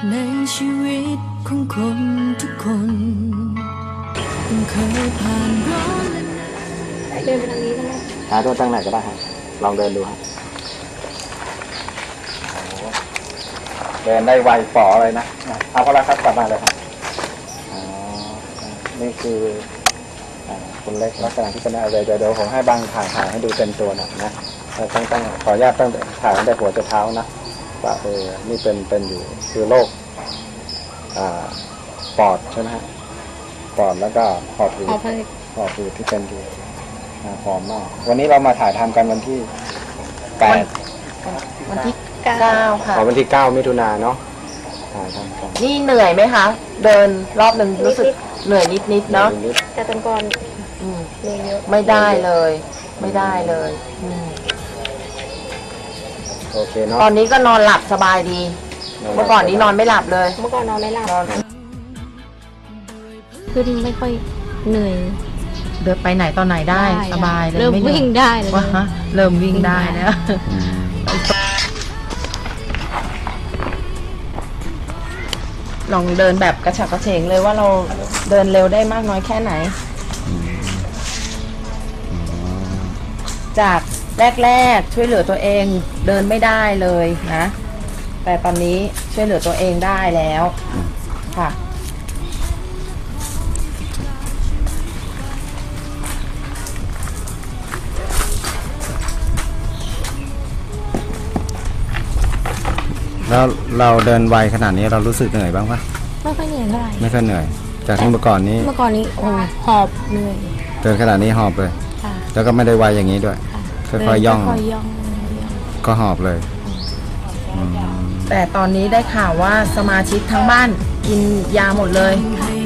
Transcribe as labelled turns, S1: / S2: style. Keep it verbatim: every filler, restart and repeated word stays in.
S1: ในชีวิตของคนทุกคนเคยผ่านร้อนและหนาว
S2: เดินไปทางนี้ได้ไหม
S3: หาตัวตั้งไหนก็ได้ครับลองเดินดูครับเดินได้ไวฝ่อเลยนะเอาก็แล้วครับกลับมาเลยครับอ๋อนี่คือคุณเล็กลักษณะที่เป็นอะไรเดี๋ยวเดี๋ยวผมให้บางถ่ายถ่ายให้ดูเต็มตัวหน่อยนะต้องต้องขออนุญาตต้องถ่ายตั้งแต่หัวจนเท้านะว่าเออนี่เป็นเป็นอยู่คือโรคอ่าปอดใช่ไหมฮะปอดแล้วก็หอบหืด
S2: เอาไป
S3: หอบหืดที่เป็นอยู่หอมมากวันนี้เรามาถ่ายทำกันวันที่แปด
S4: วันที่เก้าค่ะ
S3: อ๋อวันที่เก้ามิถุนายนเนาะถ่ายทำกัน
S4: นี่เหนื่อยไหมคะ เดินรอบหนึ่งรู้สึกเหนื่อยนิดๆเนาะ
S3: นิด
S2: แต่ตอนก่อน
S4: อืม
S2: เหนื่อยเยอะ
S4: ไม่ได้เลย ไม่ได้เลยอืม
S3: ๆโอเคเนาะ
S4: ตอนนี้ก็นอนหลับสบายดี เมื่อก่อนนี้นอนไม่หลับเลย
S2: เมื่อก่อนนอนไม่หลับ
S4: นอน
S2: ขึ้นไม่ค่อยเหนื่อย
S4: เดินไปไหนตอนไหนได้สบายเลย
S2: เริ่ม
S4: ไหนื่อย
S2: วิ่งได้เลย
S4: ว่าฮะเริ่มวิ่งได้แล้ว
S3: อืม
S4: ลองเดินแบบกระฉับกระเฉงเลยว่าเราเดินเร็วได้มากน้อยแค่ไหน จากแรกๆช่วยเหลือตัวเองเดินไม่ได้เลยนะ แต่ตอนนี้ช่วยเหลือตัวเองได้แล้วค่ะ
S3: แล้วเราเดินไวขนาดนี้เรารู้สึกเหนื่อยบ้างปะ
S2: ไม่ค่อยเหนื่อยเท่าไหร่
S3: ไม่ค่อยเหนื่อย จากที่เมื่อก่อนนี้
S2: เมื่อก่อนนี้โอ้หอบเหนื่อย
S3: เดินขนาดนี้หอบเลย
S2: ค่ะ
S3: แล้วก็ไม่ได้ไวอย่างนี้ด้วย
S2: ค่ะ
S3: ค่อยๆย่อง
S2: ค่อยๆย่อง
S3: ก็หอบเลยอืม
S4: แต่ตอนนี้ได้ข่าวว่าสมาชิกทั้งบ้านกินยาหมดเลย
S1: ให้